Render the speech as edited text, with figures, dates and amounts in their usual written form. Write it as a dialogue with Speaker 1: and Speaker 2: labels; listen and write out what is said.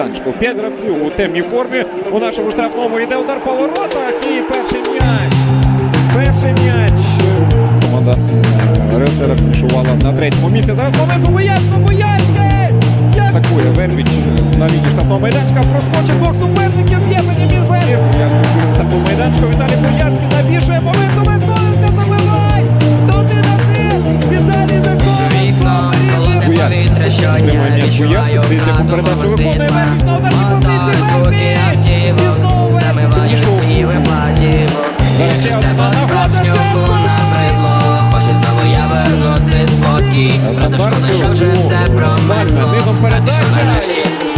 Speaker 1: 5 гравців у темній формі. У нашому штрафному йде удар по воротах і перший м'яч. Перший м'яч. Команда Реслера фінішувала на третьому місці. Зараз момент у Боярський! Атакує Вербіч на лінії штрафного майданчика. Проскочив двох суперників. Б'є Бенямін Вербіч. Боярський в цьому штрафному майданчику. Віталій Боярський навішує. Момент у Миколенка. Забивай! 1-1! Віталій Миколенко! Боярський отримує м'яч Боярський. Дивіться, яку передачу виконує Вербіч на ударній позиції. Вербіч! І знову Вербіч. Зараз ще одна нагода. Стандартний у Мальна. Низом передача.